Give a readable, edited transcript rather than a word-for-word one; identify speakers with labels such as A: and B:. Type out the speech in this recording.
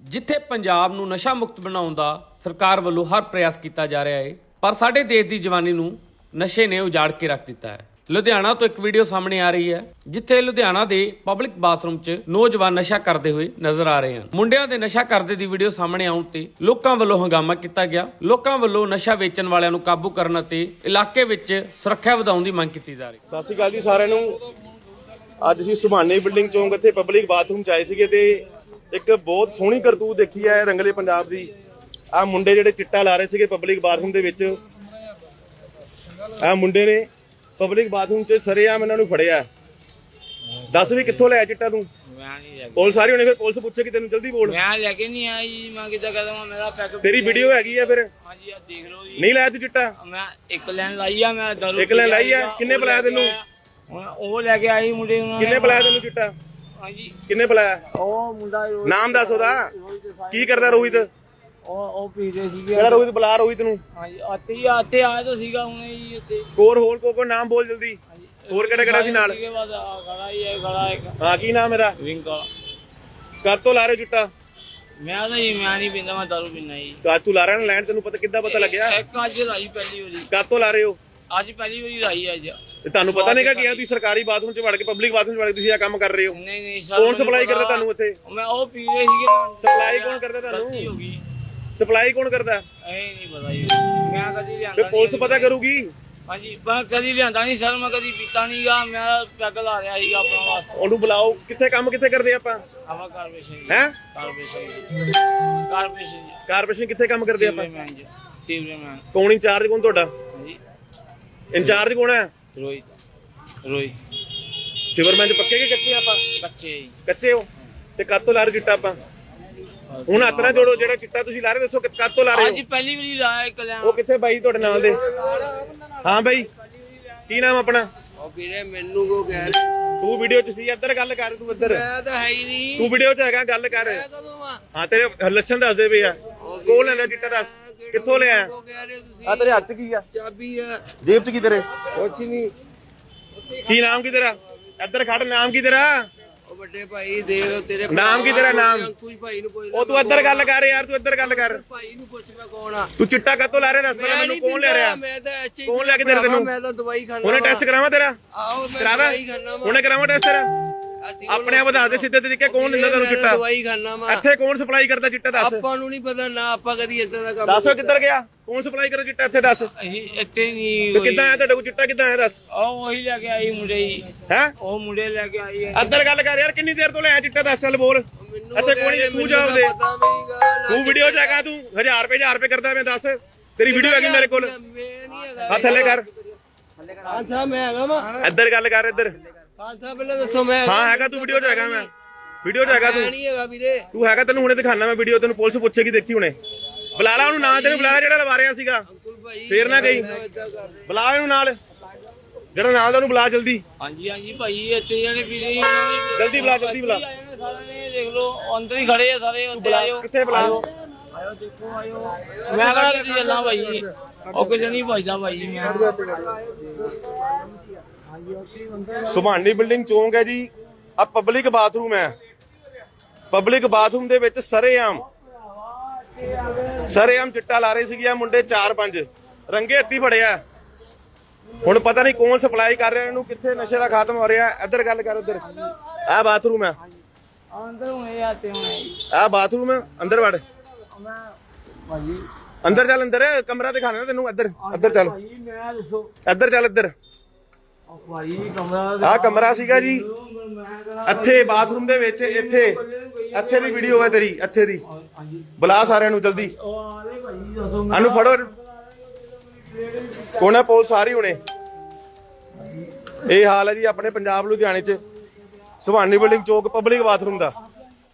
A: ਜਿੱਥੇ ਪੰਜਾਬ ਨੂੰ ਨਸ਼ਾ ਮੁਕਤ ਬਣਾਉਣ ਦਾ ਸਰਕਾਰ ਵੱਲੋਂ ਹਰ ਪ੍ਰਯਾਸ ਕੀਤਾ ਜਾ ਰਿਹਾ ਹੈ, ਪਰ ਸਾਡੇ ਦੇਸ਼ ਦੀ ਜਵਾਨੀ ਨੂੰ ਨਸ਼ੇ ਨੇ ਉਜਾੜ ਕੇ ਰੱਖ ਦਿੱਤਾ ਹੈ। ਲੁਧਿਆਣਾ ਤੋਂ ਇੱਕ ਵੀਡੀਓ ਸਾਹਮਣੇ ਆ ਰਹੀ ਹੈ, ਜਿੱਥੇ ਲੁਧਿਆਣਾ ਦੇ ਪਬਲਿਕ ਬਾਥਰੂਮ 'ਚ ਨੌਜਵਾਨ ਨਸ਼ਾ ਕਰਦੇ ਹੋਏ ਨਜ਼ਰ ਆ ਰਹੇ ਹਨ। ਮੁੰਡਿਆਂ ਦੇ ਨਸ਼ਾ ਕਰਦੇ ਦੀ ਵੀਡੀਓ ਸਾਹਮਣੇ ਆਉਣ ਤੇ ਲੋਕਾਂ ਵੱਲੋਂ ਹੰਗਾਮਾ ਕੀਤਾ ਗਿਆ। ਲੋਕਾਂ ਵੱਲੋਂ ਨਸ਼ਾ ਵੇਚਣ ਵਾਲਿਆਂ ਨੂੰ ਕਾਬੂ ਕਰਨ ਅਤੇ ਇਲਾਕੇ ਵਿੱਚ ਸੁਰੱਖਿਆ ਵਧਾਉਣ ਦੀ ਮੰਗ ਕੀਤੀ ਜਾ ਰਹੀ ਹੈ।
B: ਸਤਿ ਸ਼੍ਰੀ ਅਕਾਲ ਜੀ ਸਾਰਿਆਂ ਨੂੰ। ਅੱਜ ਅਸੀਂ ਸੁਭਾਨੀ ਬਿਲਡਿੰਗ ਚੌਂਕ ਇੱਥੇ ਪਬਲਿਕ ਬਾਥਰੂਮ 'ਚ ਆਏ ਸੀਗੇ ਤੇ ਇੱਕ ਬਹੁਤ ਸੋਹਣੀ ਕਰਤੂਤ ਦੇਖੀ ਹੈ ਰੰਗਲੇ ਪੰਜਾਬ ਦੀ। ਆਹ ਮੁੰਡੇ ਜਿਹੜੇ ਚਿੱਟਾ ਲਾ ਰਹੇ ਸੀਗੇ ਪਬਲਿਕ ਬਾਥਰੂਮ ਦੇ ਵਿੱਚ, ਆਹ ਮੁੰਡੇ ਨੇ ਪਬਲਿਕ ਬਾਥਰੂਮ 'ਚ ਸਰੇਆਮ ਇਹਨਾਂ ਨੂੰ ਫੜਿਆ। ਦੱਸ ਵੀ ਕਿੱਥੋਂ ਲਿਆ ਚਿੱਟਾ ਤੂੰ? ਪੁਲਿਸ ਸਾਰੀ ਹੋਣੀ, ਫਿਰ ਪੁਲਿਸ ਪੁੱਛੇਗੀ ਤੈਨੂੰ, ਜਲਦੀ ਬੋਲ।
C: ਮੈਂ ਲੈ ਕੇ ਨਹੀਂ ਆਇਆ ਜੀ, ਮੈਂ ਕਿੱਦਾਂ ਕਰਾਂ, ਮੇਰਾ ਪੈਕ
B: ਤੇਰੀ ਵੀਡੀਓ ਹੈਗੀ ਆ ਫਿਰ?
C: ਹਾਂਜੀ ਆ ਦੇਖ ਲਓ ਜੀ।
B: ਨਹੀਂ ਲਾਇਆ ਤੂੰ ਚਿੱਟਾ?
C: ਮੈਂ ਇੱਕ ਲਾਈਨ ਲਾਈ ਆ, ਮੈਂ ਦਾਰੂ
B: ਇੱਕ ਲਾਈਨ ਲਾਈ ਆ। ਕਿੰਨੇ ਪਿਲਾਇਆ ਤੈਨੂੰ?
C: ਉਹ ਲੈ ਕੇ ਆਈ ਮੁੰਡੇ ਨੂੰ।
B: ਕਿੰਨੇ ਪਿਲਾਇਆ ਤੈਨੂੰ ਚਿੱਟਾ?
C: ਹਾਂਜੀ
B: ਕਿੰਨੇ ਪਿਲਾਇਆ?
C: ਉਹ ਮੁੰਡਾ
B: ਨਾਮ ਦੱਸ ਉਹਦਾ। ਕੀ ਕਰਦਾ ਰੋਹਿਤ?
C: ਉਹ ਪੀਦੇ ਸੀਗੇ।
B: ਕਿਹੜਾ ਰੋਹਿਤ? ਬੁਲਾ ਰੋਹਿਤ ਨੂੰ।
C: ਹਾਂਜੀ ਆਤੇ ਆਇਆ ਤਾਂ ਸੀਗਾ ਹੁਣੇ ਜੀ ਇੱਥੇ।
B: ਹੋਰ ਕੋ ਨਾਮ ਬੋਲ ਜਲਦੀ। ਹੋਰ ਕਿਹੜਾ ਸੀ ਨਾਲ?
C: ਖੜਾ ਹੀ ਹੈ, ਖੜਾ ਇੱਕ।
B: ਹਾਂ ਕੀ ਨਾਮ ਇਹਦਾ?
C: ਰਿੰਕਲ।
B: ਕਦ ਤੋਂ ਲਾ ਰਹੇ ਹੋ ਚਿੱਟਾ?
C: ਮੈਂ ਤਾਂ ਜੀ ਮੈਂ ਨਹੀਂ ਪੀਂਦਾ, ਮੈਂ ਦਾਰੂ ਪੀਂਦਾ ਜੀ।
B: ਕਦ ਤੂੰ ਲਾ ਰਿਹਾ ਨਾ ਲੈਣ? ਤੈਨੂੰ ਪਤਾ ਕਿੱਦਾਂ ਪਤਾ ਲੱਗਿਆ?
C: ਇੱਕ ਅੱਜ ਲਾਈ ਪਹਿਲੀ ਵਾਰੀ।
B: ਕਦ ਤੋਂ ਲਾ ਰਹੇ ਹੋ?
C: ਅੱਜ ਪਹਿਲੀ ਵਾਰੀ ਲਾਈ ਅੱਜ।
B: ਤੇ ਤੁਹਾਨੂੰ ਪਤਾ ਨਹੀਂਗਾ ਕਿ ਤੁਸੀਂ ਸਰਕਾਰੀ ਬਾਥਰੂਮ 'ਚ ਵੜ ਕੇ ਪਬਲਿਕ ਬਾਥਰੂਮ 'ਚ ਵੜ ਕੇ ਤੁਸੀਂ ਇਹ ਕੰਮ ਕਰ ਰਹੇ ਹੋ?
C: ਨਹੀਂ ਸਰ।
B: ਕੌਣ ਸਪਲਾਈ ਕਰਦਾ ਤੁਹਾਨੂੰ ਇੱਥੇ?
C: ਮੈਂ ਉਹ ਪੀ ਰਹੇ ਸੀਗੇ।
B: ਸਪਲਾਈ ਕੌਣ ਕਰਦਾ ਤੁਹਾਨੂੰ?
C: ਹੋ ਗਈ।
B: ਸਪਲਾਈ ਕੌਣ ਕਰਦਾ?
C: ਇਹ ਨਹੀਂ ਪਤਾ ਜੀ, ਮੈਂ ਕਦੀ ਲਿਆਂਦਾ
B: ਤੇ ਪੁਲਿਸ ਪਤਾ ਕਰੂਗੀ।
C: ਹਾਂਜੀ ਮੈਂ ਕਦੀ ਲਿਆਂਦਾ ਨਹੀਂ ਸਰ, ਮੈਂ ਕਦੀ ਪੀਤਾ ਨਹੀਂਗਾ, ਮੈਂ ਪੈਗ ਲਾ ਰਿਹਾ ਸੀਗਾ ਆਪਣਾ ਵਾਸਤੇ।
B: ਉਹਨੂੰ ਬੁਲਾਓ। ਕਿੱਥੇ ਕੰਮ ਕਿੱਥੇ ਕਰਦੇ ਆਪਾਂ?
C: ਆਵਾ ਕਾਰਪੋਰੇਸ਼ਨ
B: ਹੈ
C: ਕਾਰਪੋਰੇਸ਼ਨ
B: ਕਿੱਥੇ ਕੰਮ ਕਰਦੇ ਆਪਾਂ?
C: ਸੀਵਰਮੈਨ।
B: ਕੌਣ ਇੰਚਾਰਜ? ਕੌਣ ਤੁਹਾਡਾ
C: ਹਾਂਜੀ
B: ਇੰਚਾਰਜ? ਕੌਣ ਹੈ?
C: ਰੋਹਿਤ।
B: ਸਿਵਰਮੈਨ 'ਚ ਪੱਕੇ ਕਿ ਕੱਚੇ ਆਪਾਂ? ਕੱਚੇ ਹੋ। ਤੇ ਕਦ ਤੋਂ ਲਾ ਰਹੇ ਚਿੱਟਾ ਆਪਾਂ? ਹੁਣ ਹੱਥ ਨਾ ਜੋੜੋ। ਜਿਹੜਾ ਚਿੱਟਾ ਤੁਸੀਂ ਲਾ ਰਹੇ ਦੱਸੋ ਕਦ ਤੋਂ ਲਾ ਰਹੇ ਹੋ?
C: ਅੱਜ ਪਹਿਲੀ ਵਾਰੀ ਲਾਇਆ ਇੱਕ ਲੈਣ।
B: ਉਹ ਕਿੱਥੇ ਬਾਈ ਤੁਹਾਡੇ ਨਾਲ ਦੇ? ਹਾਂ ਬਾਈ, ਕੀ ਨਾਮ ਆਪਣਾ?
D: ਉਹ ਵੀਰੇ ਮੈਨੂੰ ਕੋ ਕਹਿ
B: ਤੂੰ ਵੀਡੀਓ 'ਚ ਸੀ, ਇੱਧਰ ਗੱਲ ਕਰ। ਤੂੰ ਇੱਧਰ,
D: ਮੈਂ ਤਾਂ ਹੈ ਹੀ ਨਹੀਂ।
B: ਤੂੰ ਵੀਡੀਓ 'ਚ ਹੈਗਾ, ਗੱਲ ਕਰ।
D: ਮੈਂ ਕਦੋਂ ਆ?
B: ਹਾਂ ਤੇਰੇ ਲੱਛਣ ਦੱਸਦੇ ਪਏ ਆ। ਕੋਲ ਲੈਣਾ ਚਿੱਟਾ? ਦੱਸ ਕਿੱਥੋਂ ਲਿਆ?
D: ਕੋ ਕਹਿ ਰਹੇ ਤੁਸੀਂ?
B: ਆ ਤੇਰੇ ਹੱਥ 'ਚ ਕੀ ਆ?
D: ਚਾਬੀ ਆ।
B: ਜੇਬ 'ਚ ਕੀ ਤੇਰੇ?
D: ਕੁਛ ਨਹੀਂ।
B: ਕੀ ਨਾਮ ਕੀ ਤੇਰਾ? ਇੱਧਰ ਖੜ। ਨਾਮ ਕੀ ਤੇਰਾ?
D: ਉਹ ਵੱਡੇ ਭਾਈ ਦੇਖ ਤੇਰੇ
B: ਨਾਮ ਕੀ ਤੇਰਾ? ਨਾਮ?
D: ਅੰਕੁਸ਼ ਭਾਈ ਨੂੰ ਕੋਈ।
B: ਉਹ ਤੂੰ ਇੱਧਰ ਗੱਲ ਕਰ ਯਾਰ, ਤੂੰ ਇੱਧਰ ਗੱਲ ਕਰ।
D: ਭਾਈ ਨੂੰ ਪੁੱਛ ਮੈਂ ਕੌਣ ਆ।
B: ਤੂੰ ਚਿੱਟਾ ਕਦੋਂ ਲਾ ਰਿਹਾ ਦੱਸ ਪਹਿਲਾਂ ਮੈਨੂੰ। ਕੌਣ ਲੈ ਰਿਹਾ?
D: ਮੈਂ ਤਾਂ ਐਚ
B: ਕੌਣ ਲੈ ਕੇ ਦੇ ਤੈਨੂੰ?
D: ਮੈਂ ਤਾਂ ਦਵਾਈ ਖਾਣਾ।
B: ਉਹਨੇ ਟੈਸਟ ਕਰਾਵਾ ਤੇਰਾ?
D: ਆਓ ਮੈਂ
B: ਕਰਾਵਾ?
D: ਦਵਾਈ ਖਾਣਾ ਵਾ।
B: ਉਹਨੇ ਕਰਾਵਾ ਟੈਸਟ ਤੇਰਾ? ਆਪਣੇ ਆਪ ਦੱਸ ਦੇ ਸਿੱਧੇ ਤਰੀਕੇ। ਕੌਣ ਦਿੰਦਾ ਤੈਨੂੰ ਚਿੱਟਾ?
D: ਦਵਾਈ ਖਾਣਾ ਵਾ।
B: ਇੱਥੇ ਕੌਣ ਸਪਲਾਈ ਕਰਦਾ ਚਿੱਟਾ? ਦੱਸ।
D: ਆਪਾਂ ਨੂੰ ਨਹੀਂ ਪਤਾ ਨਾ, ਆਪਾਂ ਕਦੀ ਇਦਾਂ ਦਾ ਕੰਮ।
B: ਦੱਸੋ ਕਿੱਧਰ ਗਿਆ? ਕੌਣ ਸਪਲਾਈ ਕਰਦਾ ਚਿੱਟਾ ਇੱਥੇ? ਦੱਸ।
C: ਅਸੀਂ ਇੱਥੇ ਨਹੀਂ।
B: ਤੇ ਕਿੱਦਾਂ ਆਇਆ ਤੁਹਾਡੇ ਕੋਲ ਚਿੱਟਾ? ਕਿੱਦਾਂ ਆਇਆ ਦੱਸ।
C: ਉਹ ਉਹੀ ਲੈ ਕੇ ਆਈ ਮੁੰਡੇ ਜੀ।
B: ਹੈ
C: ਉਹ ਮੁੰਡੇ ਲੈ ਕੇ ਆਈ ਹੈ।
B: ਇੱਧਰ ਗੱਲ ਕਰ ਯਾਰ। ਕਿੰਨੀ ਦੇਰ ਤੋਂ ਲਿਆ ਚਿੱਟਾ? ਦੱਸ ਚੱਲ ਬੋਲ।
D: ਮੈਨੂੰ
B: ਇੱਥੇ ਕੋਣ? ਤੂੰ ਜਵਾਬ ਦੇ।
D: ਪਤਾ ਨਹੀਂਗਾ।
B: ਤੂੰ ਵੀਡੀਓ 'ਚ ਹੈਗਾ? ਤੂੰ 1000 ਰੁਪਏ ਕਰਦਾ? ਮੈਂ ਦੱਸ। ਤੇਰੀ ਵੀਡੀਓ ਹੈਗੀ ਮੇਰੇ ਕੋਲ?
D: ਮੈਂ ਨਹੀਂ ਹੈਗਾ।
B: ਹੱਥ ਥੱਲੇ ਕਰ।
D: ਹਾਂ ਸਾਹਿਬ ਮੈਂ ਹੈਗਾ ਵਾ।
B: ਇੱਧਰ ਗੱਲ ਕਰ। ਇੱਧਰ
D: ਹਾਂ ਸਾਹਿਬ ਪਹਿਲਾਂ ਦੱਸੋ। ਮੈਂ
B: ਹਾਂ ਹੈਗਾ। ਤੂੰ ਵੀਡੀਓ 'ਚ ਹੈਗਾ? ਮੈਂ ਵੀਡੀਓ 'ਚ ਹੈਗਾ।
D: ਮੈਂ ਨਹੀਂ ਹੈਗਾ ਵੀਰੇ।
B: ਤੂੰ ਹੈਗਾ? ਤੈਨੂੰ ਹੁਣੇ ਦਿਖਾਣਾ ਮੈਂ ਵੀਡੀਓ। ਤੈਨੂੰ ਪੁਲਿਸ ਪੁੱਛੇਗੀ, ਦੇਖੀ ਹੁਣੇ। ਬੁਲਾ ਲਾ ਉਹਨੂੰ। ਨਾਂ ਤੈਨੂੰ ਬੁਲਾ ਜਿਹੜਾ ਲਵਾ ਰਿਹਾ ਸੀਗਾ।
D: ਅੰਕੁਲ ਭਾਈ
B: ਫੇਰ ਨਾ ਗਈ। ਬੁਲਾ ਇਹਨੂੰ ਨਾਲ, ਜਿਹੜਾ ਨਾਲ ਦਾ ਉਹਨੂੰ ਬੁਲਾ ਜਲਦੀ।
C: ਹਾਂਜੀ ਭਾਈ ਇੱਥੇ ਜਿਹੜੇ ਵੀਰੇ
B: ਜਲਦੀ ਬੁਲਾ, ਜਲਦੀ ਬੁਲਾ।
C: ਸਾਰੇ ਦੇਖ ਲਓ ਅੰਦਰ ਹੀ ਖੜੇ ਆ ਸਾਰੇ। ਉੱਤੇ ਆਇਓ।
B: ਕਿੱਥੇ ਬੁਲਾ?
C: ਆਇਓ ਦੇਖੋ ਆਇਓ। ਮੈਂ ਕਿਹੜਾ ਕਿਤੇ ਚੱਲਾਂ ਭਾਈ। ਉਹ ਕਿਸੇ ਨਹੀਂ ਭਜਦਾ ਭਾਈ। ਮੈਂ
B: ਸੁਭਾਨੀ ਬਿਲਡਿੰਗ ਚੌਂਕ ਹੈ ਜੀ। ਆ ਪਬਲਿਕ ਬਾਥਰੂਮ ਹੈ। ਪਬਲਿਕ ਬਾਥਰੂਮ ਦੇ ਵਿੱਚ ਸਰੇਆਮ ਚਿੱਟਾ ਲਾ ਰਹੇ ਸੀਗੇ ਆ ਮੁੰਡੇ 4-5 ਰੰਗੇ ਹੱਥੀ ਫੜਿਆ। ਹੁਣ ਪਤਾ ਨਹੀਂ ਕੌਣ ਸਪਲਾਈ ਕਰ ਰਿਹਾ ਇਹਨੂੰ, ਕਿੱਥੇ ਨਸ਼ੇ ਦਾ ਖਾਤਮਾ ਹੋ ਰਿਹਾ। ਇੱਧਰ ਗੱਲ ਕਰ। ਇੱਧਰ ਆ ਬਾਥਰੂਮ ਹੈ।
C: ਅੰਦਰ ਹੁਣੇ ਆਤੇ ਹੁਣੇ।
B: ਆ ਬਾਥਰੂਮ ਹੈ। ਅੰਦਰ ਵੜ।
C: ਮੈਂ ਭਾਈ
B: ਅੰਦਰ ਚੱਲ। ਅੰਦਰ ਕਮਰਾ ਦਿਖਾਣਾ ਤੈਨੂੰ। ਇੱਧਰ ਚੱਲ।
C: ਭਾਈ ਮੈਂ ਦੱਸੋ।
B: ਇੱਧਰ ਚੱਲ। ਇੱਧਰ
C: ਭਾਈ ਕਮਰਾ
B: ਆ ਕਮਰਾ ਸੀਗਾ ਜੀ। ਇੱਥੇ ਬਾਥਰੂਮ ਦੇ ਵਿੱਚ ਇੱਥੇ ਦੀ ਵੀਡੀਓ ਹੈ ਤੇਰੀ। ਇੱਥੇ ਦੀ ਬੁਲਾ ਸਾਰਿਆਂ ਨੂੰ ਜਲਦੀ। ਇਹਨੂੰ ਫੜੋ। ਕੋਣਾ ਪੁਲਿਸ ਆ ਰਹੀ ਹੁਣੇ। ਇਹ ਹਾਲ ਹੈ ਜੀ ਆਪਣੇ ਪੰਜਾਬ ਲੁਧਿਆਣੇ 'ਚ ਸੁਭਾਨੀ ਬਿਲਡਿੰਗ ਚੌਕ ਪਬਲਿਕ ਬਾਥਰੂਮ ਦਾ।